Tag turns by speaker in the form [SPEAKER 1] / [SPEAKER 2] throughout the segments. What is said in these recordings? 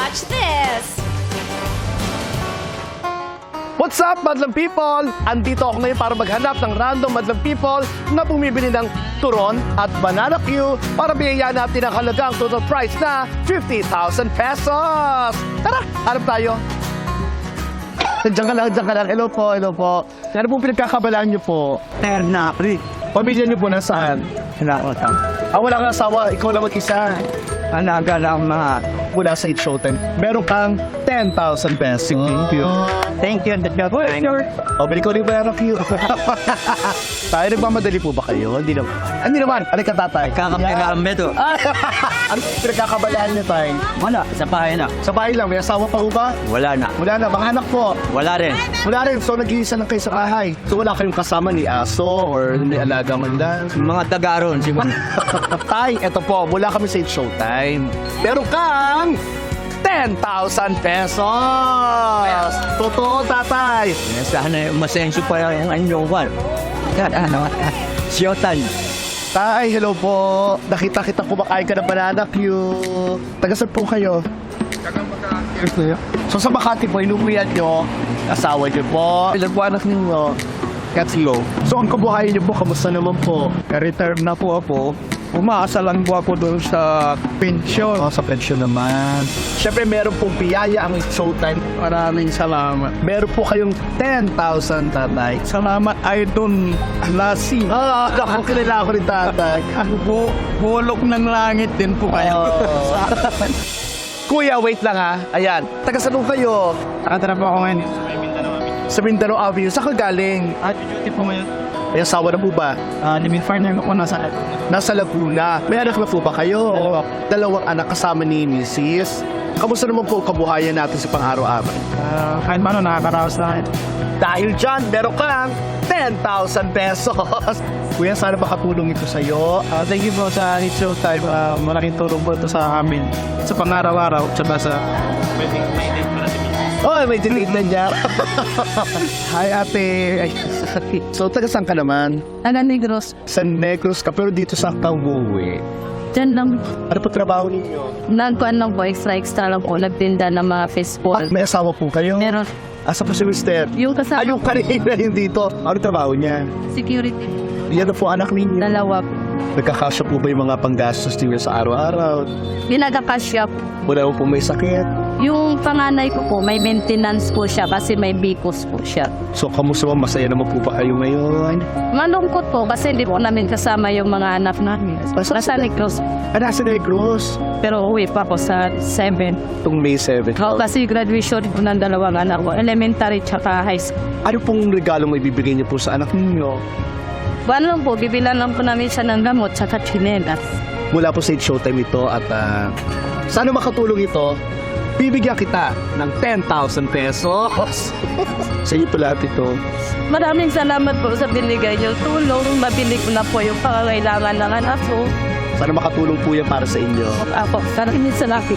[SPEAKER 1] Watch this!
[SPEAKER 2] What's up, Madlang People? Andito ako ngayon para maghanap ng random Madlang People na bumibili ng turon at banana Q para bigyan natin ang halagang total price na 50,000 pesos. Tara, hanap tayo. Diyan ka lang, diyan ka lang. Hello po, hello po. Ano pong pinagkakabalaan niyo po?
[SPEAKER 3] Ternapri.
[SPEAKER 2] Pamilya niyo po nasaan?
[SPEAKER 3] Hinakotang.
[SPEAKER 2] Wala kang asawa, ikaw lang mag-isa.
[SPEAKER 3] Anaga lang mga.
[SPEAKER 2] Mula sa It Showtime, meron kang 10,000 pesos. Thank you.
[SPEAKER 3] Thank you.
[SPEAKER 2] O, bili ko rin ba yung Q? Tayo, nagmamadali po ba kayo? Hindi naman. Hindi naman. Ano ka, tatay?
[SPEAKER 3] Kakampi to.
[SPEAKER 2] Ano pinagkakabalaan niyo, tay?
[SPEAKER 3] Wala, sa bahay na.
[SPEAKER 2] Sa bahay lang, may asawa pa ho ba?
[SPEAKER 3] Wala na.
[SPEAKER 2] Wala na, mga anak po.
[SPEAKER 3] Wala rin.
[SPEAKER 2] Wala rin, so nag-iisa lang kayo sa bahay. So wala kayong kasama ni aso or ni alaga man lang.
[SPEAKER 3] Mga tagaron, siguro.
[SPEAKER 2] Tay, eto po, mula kami sa It Showtime. Meron kang 10,000 pesos! Totoo, tatay!
[SPEAKER 3] Sana masenso pa yung anyong kwan. Siyotan.
[SPEAKER 2] Tay, hello po. Nakita-kita kumakain ka ng banana Q. Taga-saan po kayo? So sa Makati po, inuwian nyo, asawa nyo po, ilan po anak ninyo? Katlo. So ang kabuhayan nyo po, kamusta naman po?
[SPEAKER 4] Retire na po ako. Umaasa lang po ako doon sa pensyon.
[SPEAKER 2] Sa pension naman. Siyempre, meron pong biyaya ang It Showtime.
[SPEAKER 4] Maraming salamat.
[SPEAKER 2] Meron po kayong 10,000, tatay.
[SPEAKER 4] Salamat, Idol Lassie.
[SPEAKER 2] Naku, kilala ko rin, tatay.
[SPEAKER 4] Bulok ng langit din po kayo.
[SPEAKER 2] Kuya, wait lang ha. Ayan, taga-saan po kayo?
[SPEAKER 4] Nakatara po ako ngayon.
[SPEAKER 2] Sa Mindanao Avenue. Saan ka galing?
[SPEAKER 4] Duty po ngayon.
[SPEAKER 2] Ay, asawa na po ba?
[SPEAKER 4] Living partner ko nasa
[SPEAKER 2] Nasa Laguna. May anak na po ba kayo?
[SPEAKER 4] Dalawa.
[SPEAKER 2] Dalawang anak kasama ni Mrs. Kamusta naman po kabuhayan natin sa pang-araw-araw?
[SPEAKER 4] kahit paano nakakaraos na akin.
[SPEAKER 2] Dahil dyan, meron kang 10,000 pesos. Kuya, sana makatulong ito sa'yo.
[SPEAKER 4] Thank you po sa It Showtime. Malaking tulong po ito sa amin. Sa pang-araw-araw. Tsaka sa
[SPEAKER 2] Oh, may delete na niya. Hi, ate. Ay, so, taga saan ka naman?
[SPEAKER 5] Taga Negros.
[SPEAKER 2] Sa Negros ka, pero dito sa Tawuwi.
[SPEAKER 5] Diyan lang.
[SPEAKER 2] Ano po trabaho ninyo?
[SPEAKER 5] Nagkuhan lang po, extra lang po. Nagtinda ng mga fishball.
[SPEAKER 2] May asawa po kayo?
[SPEAKER 5] Meron.
[SPEAKER 2] Asa po si Mister?
[SPEAKER 5] Yung kasama
[SPEAKER 2] Yung kanina yung dito. Ano trabaho niya?
[SPEAKER 5] security.
[SPEAKER 2] Yan na po anak ninyo.
[SPEAKER 5] Dalawa po.
[SPEAKER 2] Nagkakasya po ba yung mga panggastos niyo sa araw-araw?
[SPEAKER 5] Pinagkakasya po.
[SPEAKER 2] Wala po may sakit.
[SPEAKER 5] Yung panganay ko po, may maintenance po siya kasi may bikos po siya.
[SPEAKER 2] So, kamusta mo? Masaya naman po ba kayo ngayon?
[SPEAKER 5] Malungkot po kasi hindi po namin kasama yung mga anak namin. Nasa Negros.
[SPEAKER 2] Nasa Negros.
[SPEAKER 5] Pero uwi pa ako sa 7.
[SPEAKER 2] Itong May 7.
[SPEAKER 5] Kasi graduation po ng dalawang anak ko. Elementary tsaka high school.
[SPEAKER 2] Ano pong regalo may bibigay niyo po sa anak ninyo?
[SPEAKER 5] Buwan lang po, bibilan lang po namin siya ng gamot tsaka chinelas.
[SPEAKER 2] Mula po sa It Showtime ito at sana makatulong ito, bibigyan kita ng 10,000 pesos. Sa iyo po lahat ito.
[SPEAKER 5] Maraming salamat po sa binigay niyo tulong. Mabili ko na po yung pangangailangan ng anak ko.
[SPEAKER 2] Sana makatulong po yan para sa inyo.
[SPEAKER 5] Ako, maraming salamat.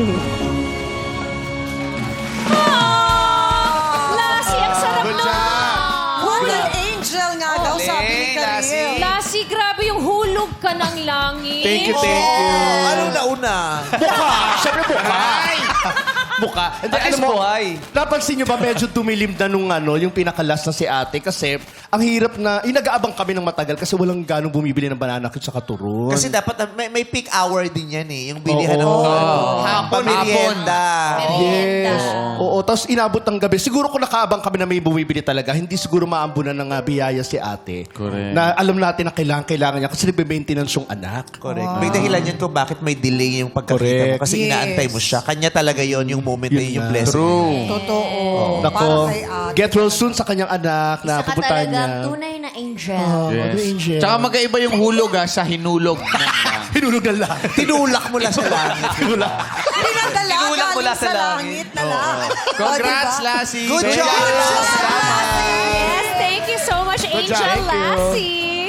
[SPEAKER 1] Lassie, ang sarap nun!
[SPEAKER 6] Golden Angel nga daw, sabi ni Karel.
[SPEAKER 1] Lassie, grabe yung hulog ka ng langit.
[SPEAKER 7] Thank you, thank you.
[SPEAKER 8] Anong nauna?
[SPEAKER 7] Siyempre buhay! Buka. Hindi, alam mo, napansin nyo ba medyo tumilim na nung yung pinakalas na si ate kasi ang hirap na, nag-aabang kami ng matagal kasi walang ganong bumibili ng banana cute sa katuron.
[SPEAKER 8] Kasi dapat may peak hour din yan eh. Yung bilihan ng hapon, merienda.
[SPEAKER 7] Yes. Oo, tapos inabot ng gabi. Siguro kung nakaabang kami na may bumibili talaga, hindi siguro maambunan ng biyaya si ate. Correct. Na alam natin na kailangan niya kasi nagbe-maintenance yung anak.
[SPEAKER 8] Correct. May dahilan yan kung bakit may delay yung pagkakita mo. Kasi inaantay mo siya. Kanya talaga yon yung moment na yun, yung blessing.
[SPEAKER 6] Totoo.
[SPEAKER 2] Nako,
[SPEAKER 6] Para kay ate.
[SPEAKER 2] get well soon sa kanyang anak na
[SPEAKER 1] Isa ka
[SPEAKER 2] pupuntahan niya.
[SPEAKER 1] talagang tunay na angel.
[SPEAKER 2] Angel.
[SPEAKER 9] Tsaka magkaiba yung hulog sa hinulog.
[SPEAKER 2] Hinulog na lang.
[SPEAKER 8] Tinulak mo lang sa langit.
[SPEAKER 6] Pinadala
[SPEAKER 8] Tinulak mula
[SPEAKER 6] galing
[SPEAKER 8] sa
[SPEAKER 6] sa
[SPEAKER 8] langit.
[SPEAKER 6] langit na lang.
[SPEAKER 9] Congrats,
[SPEAKER 6] Diba?
[SPEAKER 9] Lassie!
[SPEAKER 8] Good job!
[SPEAKER 1] Yes, thank you so much, Angel
[SPEAKER 2] Thank you.
[SPEAKER 1] Lassie.